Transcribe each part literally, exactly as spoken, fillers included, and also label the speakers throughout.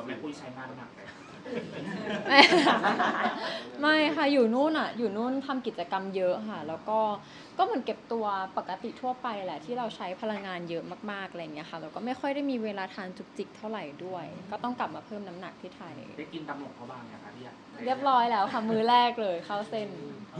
Speaker 1: ว่าแม่ปุ้ยใช้งานหนักเลย
Speaker 2: ไม่ไม่ค่ะอยู่นู่นอ่ะอยู่นู่นทำกิจกรรมเยอะค่ะแล้วก็ก็เหมือนเก็บตัวปกติทั่วไปแหละที่เราใช้พลังงานเยอะมากๆอะไรอย่างเงี้ยค่ะแล้วก็ไม่ค่อยได้มีเวลาทานจุกจิกเท่าไหร่ด้วย ก็ต้องกลับมาเพิ่มน้ำหนักที่ไทย
Speaker 1: ได้กินตำหนกเขาบ้างนะคะพี่อะ
Speaker 2: เรียบร้อยแล้วค่ะมือแรกเลยเข้าเส้น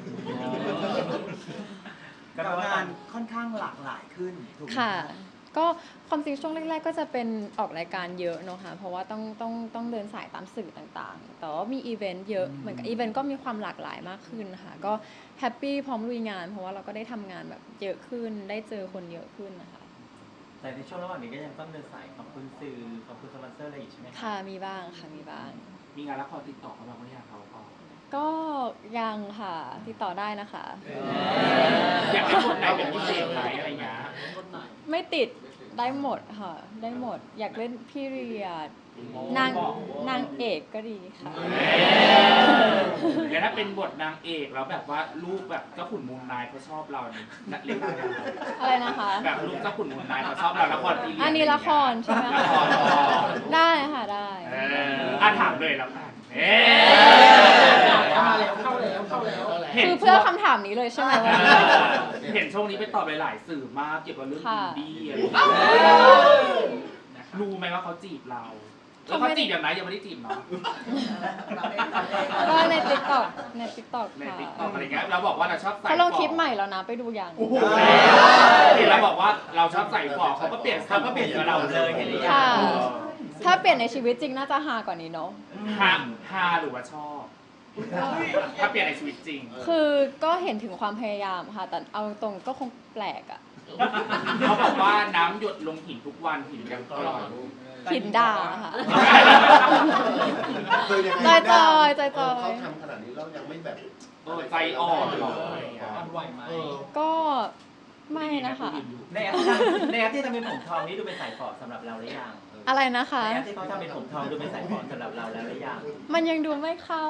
Speaker 3: การงานค่อนข้างหลากหลายขึ้นถูกไหม
Speaker 2: ค่ะก็ความจริงช่วงแรกๆก็จะเป็นออกรายการเยอะเนอะค่ะเพราะว่าต้องต้องต้องเดินสายตามสื่อต่างๆแต่ว่ามีอีเวนต์เยอะเหมือนกับอีเวนต์ก็มีความหลากหลายมากขึ้นค่ะก็แฮปปี้พร้อมลุยงานเพราะว่าเราก็ได้ทำงานแบบเยอะขึ้นได้เจอคนเยอะขึ้นนะคะ
Speaker 4: แต่ในช่วงระหว่างนี้ก็ยังต้องเดินสายขอบคุณสื่อขอบคุณสปอนเซอร์อะไรอีกใช่ไหม
Speaker 2: ค่ะมีบ้างค่ะมีบ้าง
Speaker 1: มีงานละครติดต่อเขาบ้างไหมเขาก็
Speaker 2: ก็ยังค่ะติดต่อได้นะคะ
Speaker 1: อยากให้คนไหนเป็นพิเศษไหมอะไรเงี้ย
Speaker 2: ไม่ติดได้หมดค่ะได้หมดอยากเล่นพี่เรียดนางนางเอกก็ดีค่ะ
Speaker 1: แล้วถ้าเป็นบทนางเอกแล้วแบบว่าลูกแบบเจ้าขุนมูลนายเขาชอบเราเนี่ยเล่นอะไร
Speaker 2: อะไรนะคะ
Speaker 1: แบบลูกเจ้าขุนมูลนายเขาชอบเราละครพีเรียด
Speaker 2: อันนี้ละครใช่ไหมได้ค่ะได้
Speaker 1: อ่ะถามเลยแล้วกัน
Speaker 3: เข้าแล้วเข้าแล้วเข้าแล้ว
Speaker 2: คือเพื่อคำถามนี้เลยใช่ไหมว่า
Speaker 1: เห็นช่วงนี้ไปตอบหลายๆสื่อมากเกี่ยวกับเรื่องอินดี้รู้ไหมว่าเขาจีบเราแล้วเขาจีบอย่างไรยังไม่ได้จีบเนาะ
Speaker 2: ก็ใน ติ๊กต็อก ใน ติ๊กต็อก
Speaker 1: ใน
Speaker 2: ค่ะ
Speaker 1: ติ๊กต็อกอะไรเงี้ยเราบอกว่าเราชอบใส่
Speaker 2: เขาลงคลิปใหม่แล้วนะไปดูยัง
Speaker 1: เห็นเราบอกว่าเราชอบใส่ฟอกเขาก็เปลี่ยนเขาก็เปลี่ยนกับเราเลยเห็นหรือยัง
Speaker 2: ถ้าเปลี่ยนในชีวิตจริงน่าจะฮากว่านี้เนาะ
Speaker 1: ฮาฮาหรือว่าชอบถ้าเปลี่ยนในชีวิตจริง
Speaker 2: คือก็เห็นถึงความพยายามค่ะแต่เอาตรงก็คงแปลกอ่ะ
Speaker 1: เขาบอกว่าน้ำหยดลงหินทุกวันหินยังกร่อย
Speaker 2: หินด่าค่ะจอยจอยจอยจอย
Speaker 5: เขาทำขนาดนี้แล้วยังไม่แบบ
Speaker 1: ใจอ่อนหรอ
Speaker 2: ก็ไม่นะคะ
Speaker 4: ในแอปในแอปที่ทำเป็นผมทองนี่ดูเป็นสายฝอสำหรับเราหรือยัง
Speaker 2: อะไรนะคะ
Speaker 4: ในแอปที่เขาทำเป็นผมทองดูเป็นสายฝอสำหรับเราแล้วหรือยัง
Speaker 2: มันยังดูไม่เข้า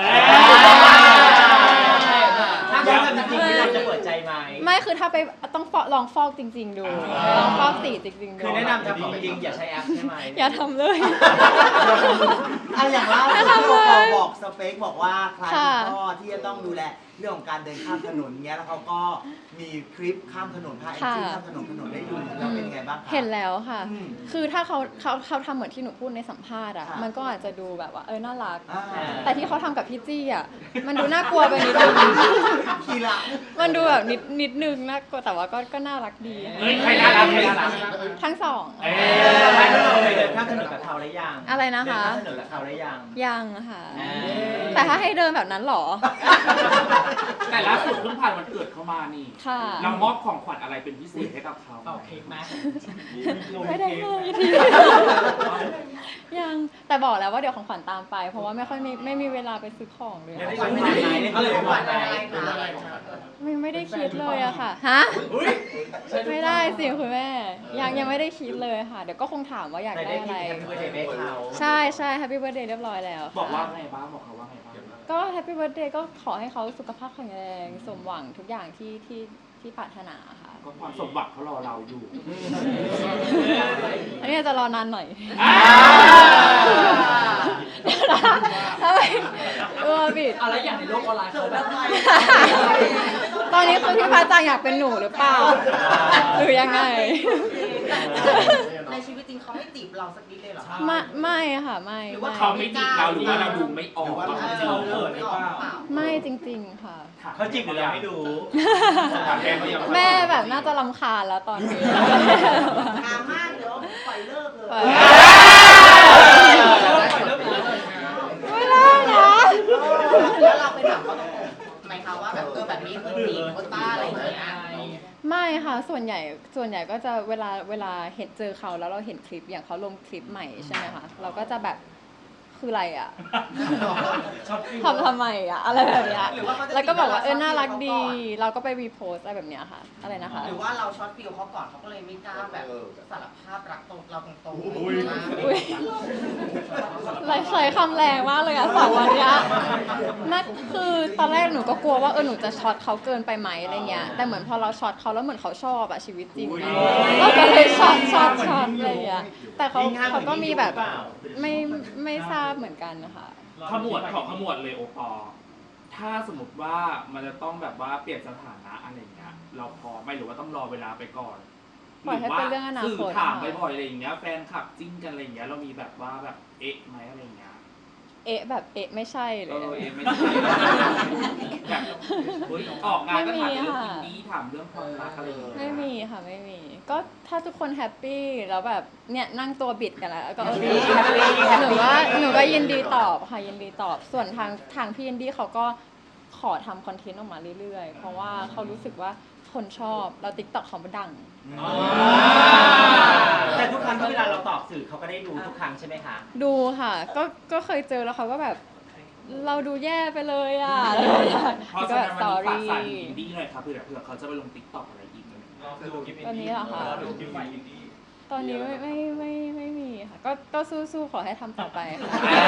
Speaker 4: ถ้าเขาทำจริงๆเราจะเปิดใจไหม
Speaker 2: ไม่คือถ้าไปต้องลองฟอกจริงๆดูลองฟอกสีจริงๆดู
Speaker 4: คือแนะนำทำของจริงอย่าใช้แอปใช่ไหม
Speaker 2: อย่าทำเลย
Speaker 3: อันอย่างล่าสุดเขาบอกสเปคบอกว่าใครเป็นพ่อที่จะต้องดูแลเรื่องของการเดินข้ามถนนเงี้ยแล้วเขาก็มีคลิปข้ามถนนพาแอนจี้ข้ามถนนถนนได้ดูแล้วเป็นยังไงบ้างคะ
Speaker 2: เห็นแล้วค่ะคือถ้าเขาเขาเขาทำเหมือนที่หนูพูดในสัมภาษณ์อ่ะมันก็อาจจะดูแบบว่าเออน่ารักแต่ที่เขาทำกับพี่จี้อ่ะมันดูน่ากลัวไปนิดนึงมันดูแบบนิดนิดนึงน่ากลัวแต่ว่าก็ก็น่ารักดี
Speaker 1: เฮ้ยใครน่ารักใครน่ารัก
Speaker 2: ทั้งสอง
Speaker 4: เออไม่เราเคยเดินข้ามถนนกับเขาหรือยัง
Speaker 2: อะไรนะคะ
Speaker 4: เดินข้ามถนนกับเขาหรือยัง
Speaker 2: ยังค่ะแต่ถ้าให้เดินแบบนั้นหรอ
Speaker 1: แต่ล่าสุดเพิ่งผ่านวันเกิดเขามานี่เรามอบของขวัญอะไรเป็นพิเศษให้กับเขา
Speaker 4: เป่าเค้กไหม
Speaker 2: ไม่ได้ให้ทียังแต่บอกแล้วว่าเดี๋ยวของขวัญตามไปเพราะว่าไม่ค่อยมีไม่มีเวลาไปซื้อของเลย
Speaker 4: ไม่ได้ขวัญไหนเขาเลยขวัญไหน
Speaker 2: ไม่ไม่ได้คิดเลยอะค่ะฮะไม่ได้สิคุณแม่ยังยังไม่ได้คิดเลยค่ะเดี๋ยวก็คงถามว่าอยากได้อะไรใช่ใช่แฮปปี้เบิร์ธเดย์เรียบร้อยแล้ว
Speaker 1: บอกว่าไงบ้างบอกเขาว่าไงบ้าง
Speaker 2: ก็แฮปปี้เบิร์ธเดย์ก็ขอให้เขาสุขภาพแข็งแรงสมหวังทุกอย่างที่ที่ที่ปรารถนาค่ะ
Speaker 1: ก็ความสมหวังเขารอเราอยู่
Speaker 2: อันนี้จะรอนานหน่อยทำไมเออบิด
Speaker 4: อะไรอย่างในโลกออนไลน์เขาแบบ
Speaker 2: ตอนนี้คือพี่พาจังอยากเป็นหนูหรือเปล่าหรือยังไง
Speaker 6: ในชีวิตจริงเขาไม่จีบเราสักนิดเลยเหรอ
Speaker 2: ไม่ไม่ค่ะไม่
Speaker 1: หรือว่าเขาไม่จีบเราหรือว่าเราดูไม่ออกว่าเขาจีบเรา
Speaker 6: ไม่ออกเปล่า
Speaker 2: ไม่จริงๆค่ะ
Speaker 4: เขาจีบหรือเราไม่ดู
Speaker 2: แม่แบบน่าจะรำคาญแล้วตอนนี้
Speaker 6: งามมากเดี๋ยวปล่อยเลิกเลย
Speaker 2: ไม่ได้นะ
Speaker 6: แล้วเราไปถามเขาตรงๆไหมคะว่าแบบเออแบบนี้คือจีบโคต้าอะไรอย่างเงี้ย
Speaker 2: ไม่ค่ะส่วนใหญ่ส่วนใหญ่ก็จะเวลาเวลาเห็นเจอเขาแล้วเราเห็นคลิปอย่างเขาลงคลิปใหม่ใช่ไหมคะเราก็จะแบบคืออะไรอ่ะ
Speaker 4: ชอบกิน
Speaker 2: ทำทำไมอ่ะอะไรแบบเนี้ย
Speaker 6: หรือว่าเขาจะ
Speaker 2: แล้วก็บอกว่าเออ
Speaker 6: คิดว่า
Speaker 2: น่ารัก
Speaker 6: เรา
Speaker 2: ดี
Speaker 6: ชอบ
Speaker 2: เราก็ไปรีโพสอะไรแบบเนี้ยค่ะอะไรนะคะ
Speaker 6: หรือว่าเราช็อตฟิลเขาก่อนเขาก็เลยไม่กล้าแบบสารภาพรักตรงเราตรงๆ
Speaker 4: อุ้ย
Speaker 2: อุ้ยไรใช้คำแรงมากเลยอ่ะสองวันเนี้ยนั่นคือตอนแรกหนูก็กลัวว่าเออหนูจะช็อตเขาเกินไปไหมอะไรเงี้ยแต่เหมือนพอเราช็อตเขาแล้วเหมือนเขาชอบอะชีวิตจริงอะเราก็เลยช็อตช็อตช็อตอะไรเงี้ยแต่เขาเขาก็มีแบบไม่ไม่ทราบเหมือนกันนะคะ
Speaker 1: ขมวดของขมวดเลยโอปอล์ถ้าสมมติว่ามันจะต้องแบบว่าเปลี่ยนสถานะอะไรอย่างเงี้ย เราพอไหม่หรือว่าต้องรอเวลาไปก่อน
Speaker 2: ปล่อยให้เป็นเรื่องอนาคต
Speaker 1: สื่อถามบ่อยๆอะไรอย่างเงี้ยแฟนคลับจิ้นกันอะไรอย่างเงี้ยเรามีแบบว่าแบบเอ๊ะไหมอะไรอย่างเงี้ย
Speaker 2: เอ๊ะแบบเอ๊ะไม่ใช่เล
Speaker 1: เอย อเอ๊ะไม่ใช่แบบเฮ้ยออกงานก็ถามเรื่องอินดี้ถามเรื่องความรักอะไรอย่างเงี้ย
Speaker 2: ไม่มีค่ะไม่มี ก็ถ้าทุกคนแฮปปี้แล้วแบบเนี่ยนั่งตัวบิดกันแล้วก็โอเคแฮปปี้หนูว่าหนูก็ยินดีตอบค่ะยินดีตอบ ส่วนทางทางพี่ยินดี้เขาก็ขอทำคอนเทนต์ออกมาเรื่อยๆ เพราะว่าเขารู้สึกว่าคนชอบแล้วติ๊กต็อกเขาดัง
Speaker 4: แต่ทุกครั้งที่เวลาเราตอบสื่อเขาก็ได้ดูทุกครั้งใช่ไหมคะ
Speaker 2: ดูค่ะ ก็ก็เคยเจอแล้วเขาก็แบบ เราดูแย่ไปเลยอ่ะอะไรอย่างเงี้ย
Speaker 1: เพราะ
Speaker 2: ก็
Speaker 1: ฉะ
Speaker 2: แบ
Speaker 1: นั้
Speaker 2: บ
Speaker 1: น
Speaker 2: ส
Speaker 1: วัน
Speaker 2: อ
Speaker 1: นี้ฝาก
Speaker 2: รี่
Speaker 1: สายอินดี้หน่อยครับเผื่อเผื่อเขาจะไปลงติ๊กต็อกอะไรอีกอะไรอย่างเงี้ย
Speaker 2: ตอนนี้เหรอคะ ตอนนี้ไม่ไม่ไม่ไม่มีค่ะ ก็ก็สู้ๆขอให้ทำต่อไปค่ะ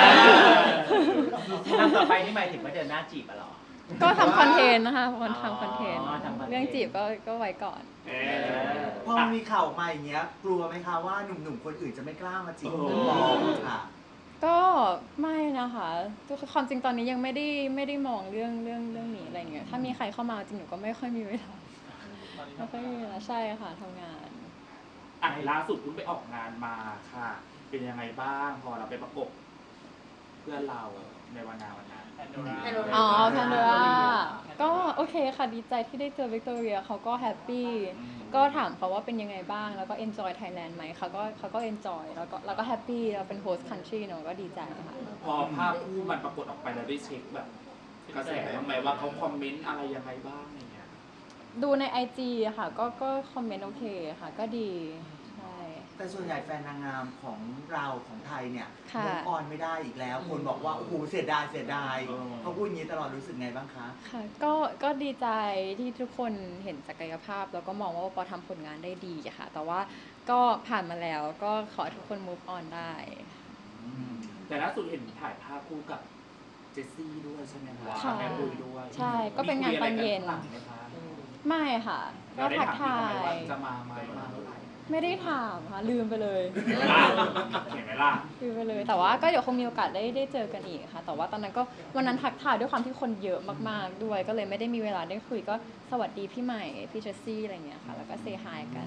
Speaker 4: ทำต่อไปนี่หมายถึงว่าเดินหน้าจีบอะเหรอ
Speaker 2: ก็ทำคอนเทนต์นะคะคนทำคอนเทนต์
Speaker 4: อ๋อทำคอนเทนต์
Speaker 2: เรื่องจีบก็ก็ไว้ก่อน
Speaker 1: เอ
Speaker 3: พอมีข่าวมาอย่างเงี้ย กลัวไหมคะว่าหนุ่มๆคนอื่นจะไม่กล้ามาจีบคุณปอค่ะ
Speaker 2: ก็ไม่นะคะทุกความจริงตอนนี้ยังไม่ได้ไม่ได้มองเรื่องเรื่องเรื่องนี้อะไรเงี้ยถ้ามีใครเข้ามาจริงหนูก็ไม่ค่อยมีเวลาไม่ค่อยมีเวลาใช่ค่ะทำงาน
Speaker 1: อ่ะล่าสุดเพิ่งไปออกงานมาค่ะ เป็นยังไงบ้างพอเราไปประกบเพื่อนเราในวันงานวันนั้น
Speaker 2: อ๋อแพนโดราก็โอเคค่ะดีใจที่ได้เจอวิกตอเรียเขาก็แฮปปี้ก็ถามเขาว่าเป็นยังไงบ้างแล้วก็ enjoy Thailand ไหมเขาก็เขาก็ enjoy แล้วก็แล้วก็แฮปปี้เราเป็น host country เนอะก็ดีใจค่ะ
Speaker 1: พอภาพคู่มันปรากฏออกไปแล้วได้เช็คแบบกระแสบ้างไหมว่าเขาคอมเมนต์อะไรยังไงบ้างอย่างเงี้ย
Speaker 2: ดูใน ไอ จี อะค่ะก็ก็คอมเมนต์โอเคค่ะก็ดีใช่
Speaker 3: แต่ส่วนใหญ่แฟนนางงามของเราของไทยเนี่ย
Speaker 2: ค่ะ
Speaker 3: มุกออนไม่ได้อีกแล้ว คนบอกว่าโอ้โหเสียดายเสียดาย
Speaker 1: อืม
Speaker 3: เขาพูดอย่างนี้ตลอดรู้สึกไงบ้างคะ
Speaker 2: ค่ะก็ก็ดีใจที่ทุกคนเห็นศักยภาพ แล้วก็มองว่าปอทำผลงานได้ดีอะค่ะ แต่ว่าก็ผ่านมาแล้วก็ขอให้ทุกคน move on ได้
Speaker 1: แต่ล่าสุดเห็นถ่ายภาพคู่กับเจสซี่ด้วยใช่ไหมคะ
Speaker 2: ค่ะ
Speaker 1: แม่ปุยด้วย
Speaker 2: ใช่ก็เป็นงานตอนเย็น
Speaker 1: มีคุยอะไรกัข้างหลังไหมคะ
Speaker 2: ไม่ค่ะ ก็
Speaker 1: เราได้
Speaker 2: ทัก
Speaker 1: ถาม
Speaker 2: ทา
Speaker 1: พี่เขาไหมว่าย จะมาไหมมาเมื่อไหร่
Speaker 2: ไม่ได้ถามค่ะลืมไปเลย
Speaker 1: เห็นไหมล่ะ
Speaker 2: ลืมไปเลย แต่ว่าก็เดี๋ยวคงมีโอกาสได้ได้เจอกันอีกค่ะ แต่ว่าตอนนั้นก็วันนั้นทักทายด้วยความที่คนเยอะมากๆด้วย ก็เลยไม่ได้มีเวลาได้คุยก็สวัสดีพี่ใหม่พี่เจสซี่อะไรอย่างเงี้ยค่ะแล้วก็เซฮายกัน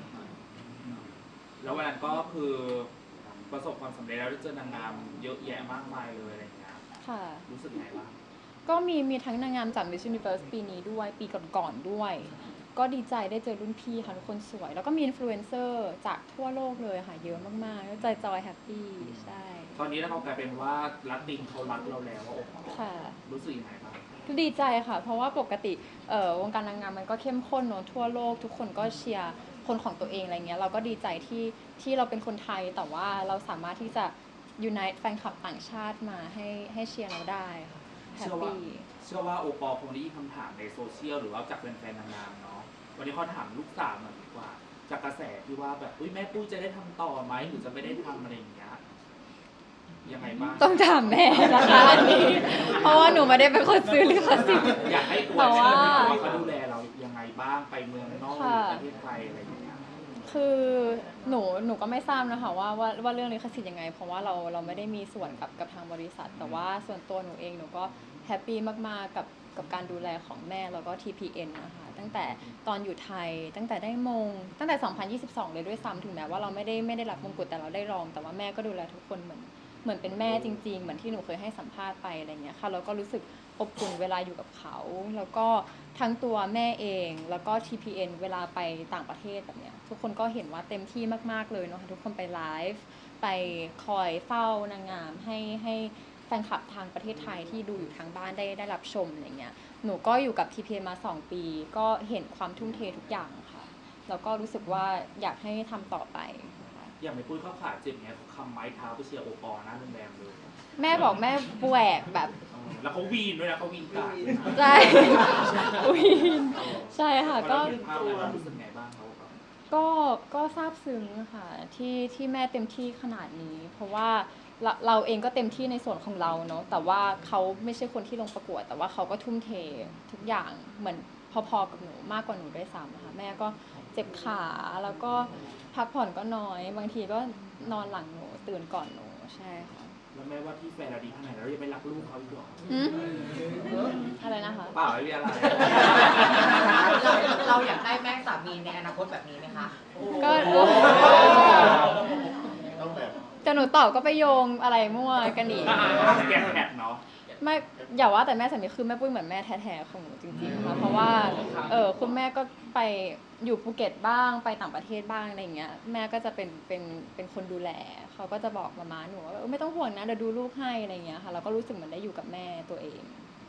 Speaker 1: แล้ววันนั้นก็คือประสบความสำเร็จแล้วได้เจอนางงามเยอะแยะมากมายเลยอะไรอย่างเงี้ย
Speaker 2: ค่ะ
Speaker 1: รู้สึกไงบ้าง
Speaker 2: ก็มีมีทั้งนางงามจาก Miss Universe ปีนี้ด้วย ปีก่อนๆด้วย ก็ดีใจได้เจอรุ่นพี่ค่ะทุกคนสวย แล้วก็มีอินฟลูเอนเซอร์จากทั่วโลกเลยค่ะ เยอะมากๆก็ใจจอยแฮปปี้ใช่
Speaker 1: ตอนนี้เรากลายเป็นว่าลัตินเขารักเราแล้วอะ
Speaker 2: ค่ะ
Speaker 1: รู้สึกยังไงบ้าง
Speaker 2: ดีใจค่ะ เพราะว่าปกติเอ่อวงการนางงามมันก็เข้มข้นเนอะทั่วโลก ทุกคนก็เชียร์คนของตัวเองอะไรเงี้ยเราก็ดีใจที่ที่เราเป็นคนไทยแต่ว่าเราสามารถที่จะ unite แฟนคลับต่างชาติมาให้ให้เชียร์เราได้ค่ะแฮ
Speaker 1: เชื่
Speaker 2: ป
Speaker 1: อว่า
Speaker 2: ปี้
Speaker 1: เชื่อว่าโอปอลคงได้ยินคำถามในโซเชียลหรือว่าจากแฟนๆนางงามเนาะวันนี้เขาถามลูกสาวหน่อยดีกว่า จากกระแสที่ว่าแบบอุ้ยแม่ปุ้ยจะได้ทำต่อไหมหรือจะไม่ได้ทำอะไรอย่างเงี้ยยังไงบ้าง
Speaker 2: ต้องถามแม่นะคะอันนี้ เพราะว่าหนูไม่ได้เป็นคนซื้อลิขสิทธิ์
Speaker 1: อยากให้อว
Speaker 2: แต่
Speaker 1: ด
Speaker 2: ว่า
Speaker 1: เชื่อว่าเขาดูแลเรายังไงบ้างไปเมืองนอกหรือประเทศไทยอะไรอย่างเงี้ย
Speaker 2: คือหนูหนูก็ไม่ทราบนะคะว่าว่าว่าเรื่องลิขสิทธิ์ยังไง เพราะว่าเราเราไม่ได้มีส่วนกับกับทางบริษัท แต่ว่าส่วนตัวหนูเองหนูก็แฮปปี้มากๆกับกับการดูแลของแม่แล้วก็ ที พี เอ็น นะคะตั้งแต่ตอนอยู่ไทย ตั้งแต่ได้มง ตั้งแต่ สองพันยี่สิบสอง เลยด้วยซ้ำถึงแม้ว่าเราไม่ได้ไม่ได้รับมงกุฎแต่เราได้รอง แต่ว่าแม่ก็ดูแลทุกคนเหมือนเหมือนเป็นแม่จริงๆ เหมือนที่หนูเคยให้สัมภาษณ์ไปอะไรเงี้ยค่ะแล้วก็รู้สึกอบอุ่นเวลาอยู่กับเขา แล้วก็ทั้งตัวแม่เองแล้วก็ ที พี เอ็น เวลาไปต่างประเทศแบบเนี้ยทุกคนก็เห็นว่าเต็มที่มากๆเลยเนาะทุกคนไปไลฟ์ไปคอยเฝ้านางงามให้ให้แฟนคลับทางประเทศไทยที่ดูอยู่ทางบ้านได้ได้รับชมอะไรเงี้ยหนูก็อยู่กับ ที พี เอ็น มาสองปีก็เห็นความทุ่มเททุกอย่างค่ะแล้วก็รู้สึกว่าอยากให้ทำต่อไปค่ะ
Speaker 1: อย่างไม่ปุ้ยเข้าขาเจ็บเนี้ยเขาคำไม้เท้าไปเชียร์โอปอล์หน้าโรงแรมเลย
Speaker 2: แม่บอกแม่แหวกแบบ
Speaker 1: เออแล้วเขาวีนด้วยนะเขาวีนกาด
Speaker 2: ใช่อุ๊ยใช่ค่ะ
Speaker 1: ก็
Speaker 2: ก็
Speaker 1: เห็นภาพแล้วเรารู้สึกไงบ้างเขาแบบ
Speaker 2: ก็ก็ซาบซึ้งค่ะที่ที่แม่เต็มที่ขนาดนี้ เพราะว่าเราเราเองก็เต็มที่ในส่วนของเราเนาะแต่ว่าเขาไม่ใช่คนที่ลงประกวด แต่ว่าเขาก็ทุ่มเททุกอย่างเหมือนพอๆกับหนูมากกว่าหนูด้วยซ้ำนะคะแม่ก็เจ็บขาแล้วก็พักผ่อนก็น้อย บางทีก็นอนหลังหนูตื่นก่อนหนูใช่ค่ะ
Speaker 1: แล้วแม้ว่าที่แฟนเราดีขนาดนั้นเรายังไม่รักลูกเขาอีกเหรอ
Speaker 2: หืมอะไรนะคะ
Speaker 1: เปล่าไม่มีอะไร
Speaker 6: เราเราอยากได้แม่สามีในอนาคตแบบนี้ไหมคะ
Speaker 2: ก็
Speaker 5: ต้องแบบ
Speaker 2: จะหนูตอบก็ไปโยงอะไรมั่วกันอีก
Speaker 1: แกะแผดเนาะ
Speaker 2: ไม่อย่าว่าแต่แม่สามีคือแม่ปุ้ยเหมือนแม่แท้ๆของหนูจริงๆค่ะเพราะว่าเออคุณแม่ก็ไปอยู่ภูเก็ตบ้างไปต่างประเทศบ้างอะไรอย่างเงี้ยแม่ก็จะเป็นเป็นเป็นคนดูแลเขาก็จะบอกมาม่าหนูว่าเออไม่ต้องห่วงนะเดี๋ยวดูลูกให้อะไรอย่างเงี้ยค่ะเราก็รู้สึกเหมือนได้อยู่กับแม่ตัวเอง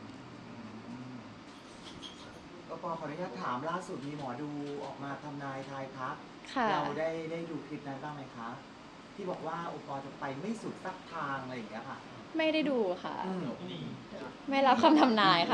Speaker 3: ก็ปอขออนุญาตถามล่าสุดมีหมอดูออกมาทำนายทายทัก
Speaker 2: ค่ะ
Speaker 3: เราได้ได้ดูคลิปนั้นบ้างไหมคะที่บอกว่าโอปอจะไปไม่สุดสักทางอะไรอย่างเงี้ยค่ะ
Speaker 2: ไม่ได้ดูค่ะ
Speaker 3: อืม
Speaker 2: ไม่รับคำทำนายค่ะ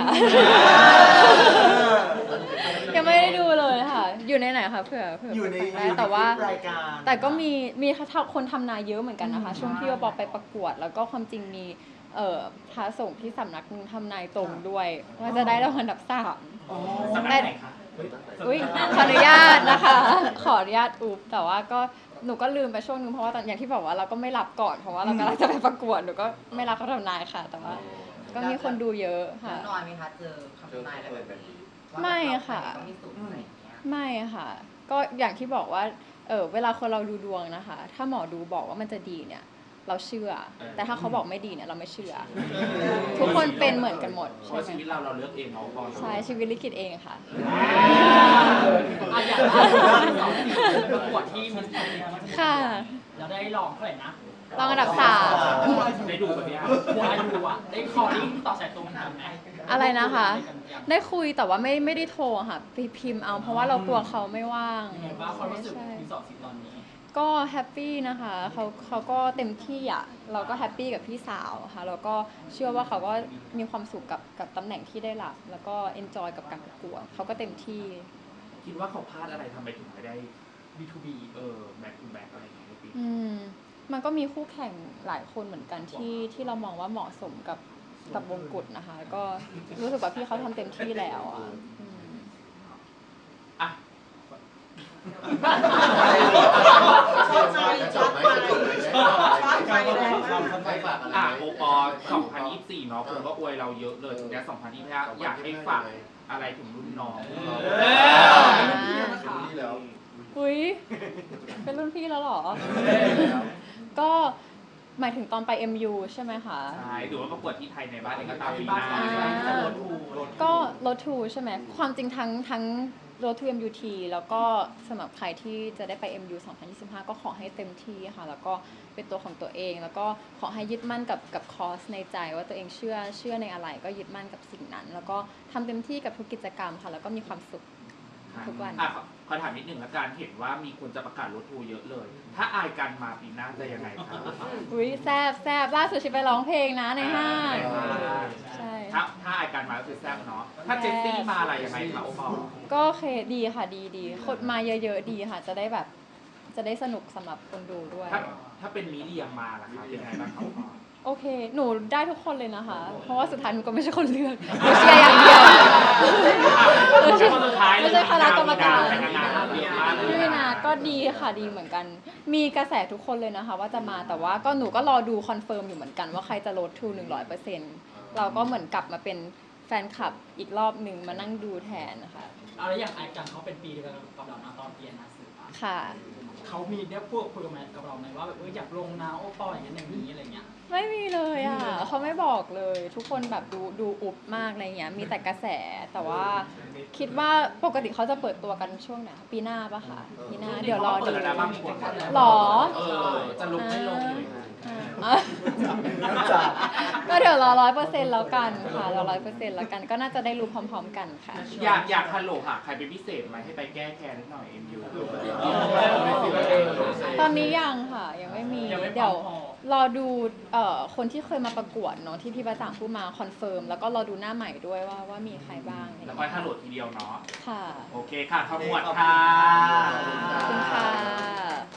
Speaker 2: ยังไม่ได้ดูเลยค่ะ อยู่ในไหนคะเผื่อเผื่อ
Speaker 3: อยู่ใน
Speaker 2: ฟังได้แต่ว่า
Speaker 3: คลิปรายการ
Speaker 2: แต่ก็มีมีคนทำนายเยอะเหมือนกันนะคะ ช่วงที่ว่าปอไปประกวด แล้วก็ความจริงมีเอ่อพระสงฆ์ที่สำนักหนึงทำนายตรงด้วยว่าจะได้รางวัลอันดับสาม
Speaker 3: อ๋อ
Speaker 1: สำนักไหนคะ
Speaker 2: อุ้ยขออนุญาตนะคะ ขออนุญาตอุบแต่ว่าก็หนูก็ลืมไปช่วงนึงเพราะว่าตอนอย่างที่บอกว่าเราก็ไม่รับก่อนเพราะว่าเรากำลังจะไปประกวดหนูก็ไม่รับเขาทำนายค่ะ แต่ว่า ก็มีคนดูเยอะค่ะ
Speaker 6: น้อยไหมคะเจอคำ
Speaker 5: เจอ
Speaker 6: ทำนายอะไร
Speaker 5: เปิ
Speaker 6: แบ
Speaker 5: ด
Speaker 6: บ
Speaker 5: แบบ
Speaker 6: นี้
Speaker 5: นี้
Speaker 2: ไม่ค่ะ
Speaker 6: ว่าแบบเราต้องมีสูตรอะไรอย่างเงี้ย
Speaker 2: ไม่ค่ะ ก็อย่างที่บอกว่า เออเวลาคนเราดูดวงนะคะ ถ้าหมอดูบอกว่ามันจะดีเนี่ย เราเชื่อ แต่ถ้าเขาบอกไม่ดีเนี่ยเราไม่เชื่อ ทุกคนเป็นเหมือนกันหมด
Speaker 1: เพ
Speaker 2: ใช่
Speaker 1: ราะ
Speaker 2: ไหม
Speaker 1: ชีวิตเราเราเลือกเองเนาะพอ
Speaker 2: ใช่ชีวิตลิขิตเองค่ะ
Speaker 7: อ่ะอย่างล่าสุดสองสี่ประกวดที่มิสแกรนด์
Speaker 2: ค่ะ
Speaker 7: เราได้รองเท่าไหร่นะ
Speaker 2: รองอันดับสาม
Speaker 1: ได้ดูแบบนี้
Speaker 7: บัวอายุอ่ะ ได้คอริ่งต่อสายตรงกันไหม
Speaker 2: อะไรนะคะ
Speaker 7: ได้กันยัง
Speaker 2: ได้คุยแต่ว่าไม่ไม่ได้โทรค่ะไปพิมพ์เอา เพราะว่าเรากลัวเขาไม่ว่าง
Speaker 7: ยังไงบ้างความรู้สึก
Speaker 2: ใช่
Speaker 7: มีสองสีตอนนี้
Speaker 2: ก็แฮปปี้นะคะเขาเขาก็เต็มที่อ่ะเราก็แฮปปี้กับพี่สาวค่ะแล้วก็เชื่อว่าเขาก็มีความสุขกับกับตำแหน่งที่ได้รับ แล้วก็เอนจอยกับการประกวดเขาก็เต็มที่
Speaker 1: คิดว่าเขาพลาดอะไรทำไมถึงไม่ได้
Speaker 7: บี ทู บี
Speaker 1: เออแบ็คทูแบ็คอะไรอย่างเงี้ยในปี
Speaker 2: อืมมันก็มีคู่แข่งหลายคนเหมือนกันที่ที่เรามองว่าเหมาะสมกับกับวงกุฎนะคะ ก็รู้สึกว่าพี่เขาทำเต็มที่แล้วอ่ะอืม
Speaker 1: อ่ะ
Speaker 5: ชอบใจชอบไปชอบไปไปฝากอะไร
Speaker 1: อ่ะโอปอล์สองพันยี่สิบสี่เนาะคนก็อวยเราเยอะเลยทีนี้สองพันยี่สิบห้าอยากให้ฝากอะไรถึงรุ่นน้อง
Speaker 5: นี่แล้ว
Speaker 2: อุ้ยเป็นรุ่นพี่แล้วเหรอ ก็หมายถึงตอนไป เอ็ม ยู ใช่ไหมคะ
Speaker 1: ใช่หรือว่าประกวดที่ไทยในบ้านเองก็ตามปีห
Speaker 7: บ้าน
Speaker 1: น้า
Speaker 7: จะโดนทู
Speaker 2: ก็รถทูใช่ไหมความจริงทั้งทั้งรถทู เอ็ม ยู ที แล้วก็สำหรับใครที่จะได้ไป เอ็ม ยู สองพันยี่สิบห้า ก็ขอให้เต็มที่ค่ะ แล้วก็เป็นตัวของตัวเอง แล้วก็ขอให้ยึดมั่นกับกับคอร์สในใจว่าตัวเองเชื่อเชื่อในอะไรก็ยึดมั่นกับสิ่งนั้น แล้วก็ทำเต็มที่กับทุกกิจกรรมค่ะ แล้วก็มีความสุข ทุกวัน
Speaker 1: อ่ะขอขอถามนิดหนึ่งละกันเห็นว่ามีคนจะประกาศรถทูเยอะเลย ถ้าอายกันมาปีหน้าจะยังไงครับ
Speaker 2: อุ้ยแซบแซบล่าสุดชิไปร้องเพลงนะในห้าง ใช่
Speaker 1: ถ้าถ้าอายกันมาก็คือแซ่บเนาะถ้าเจสซี่มาอะไรยังไงคะโอปอล์
Speaker 2: ก็โอเคดีค่ะดีดีคนมาเยอะๆดีค่ะ จะได้แบบจะได้สนุกสำหรับคนดูด้วย
Speaker 1: ถ้าถ้าเป็นมิเรียมมาล่ะครับเป็นไงบ้างครับโอปอล์
Speaker 2: โอเค หนูได้ทุกคนเลยนะคะ เพราะว่าสุดท้ายหนูก็ไม่ใช่คนเลือกหนูเชียร์อย่างเดียว
Speaker 1: ไม่ใช่คนสุดท้ายเลย
Speaker 2: ไม่ใช่คณะกรรมการ
Speaker 1: แต่งงานเยอะมากเลย
Speaker 2: พี่นาก็ดีค่ะดีเหมือนกัน มีกระแสทุกคนเลยนะคะ ว่าจะมาแต่ว่าก็หนูก็รอดูคอนเฟิร์มอยู่เหมือนกันว่าใครจะลดทูหนึ่งร้อยเปอร์เซ็นต์เราก็เหมือนกลับมาเป็นแฟนคลับอีกรอบหนึ่งมานั่งดูแทนนะคะ
Speaker 7: เอาแล้วอย่างไอกันเขาเป็นปีเดียวกันกับเรานะตอนเรียนนะสื่ออะ
Speaker 2: ค่ะ
Speaker 7: เขามีได้พูดคุยกับแมทกับเราไหมว่าแบบเอออยากลงนะโอปอล์อย่างนั้นอย่างนี้อะไรเงี้ย
Speaker 2: ไม่มีเลยอ่ะเขาไม่บอกเลย ทุกคนแบบดูดูอุบมากอะไรเงี้ยมีแต่กระแสแต่ว่าคิดว่าปกติเขาจะเปิดตัวกันช่วงไหนคะปีหน้าปะคะปีหน้าเดี๋ยวรอ
Speaker 1: เปิ
Speaker 2: ดู
Speaker 1: ดแล้วนะบางคน
Speaker 2: หรอ
Speaker 1: เออจะลงไม่ลงอยู่นะ
Speaker 2: อ่ะก็เดี๋ยวรอร้อยเปอร์เซ็นต์แล้วกันค่ะรอร้อยเปอร์เซ็นต์แล้วกันก็น่าจะได้รู้พร้อมๆกันค่ะ
Speaker 1: อยากอยากฮัลโหลหาใครเป็นพิเศษไหมให้ไปแก้แค้นนิดหน่อยเอ็มยู
Speaker 2: ตอนนี้ยังค่ะ ยังไม่มี
Speaker 1: ยังไม่พร้อม
Speaker 2: เดี๋ยว
Speaker 1: พอ
Speaker 2: รอดูเอ่อคนที่เคยมาประกวดเนาะที่พี่ประจ่างพูดมาคอนเฟิร์มแล้วก็รอดูหน้าใหม่ด้วยว่าว่ามีใครบ้างอะไร
Speaker 1: แล้ว
Speaker 2: เงี้ย
Speaker 1: ค่อยฮัลโหลทีเดียวเนาะ
Speaker 2: ค่ะ
Speaker 1: โอเคค่ะขมวดค่ะ
Speaker 2: ขอบคุณค่ะ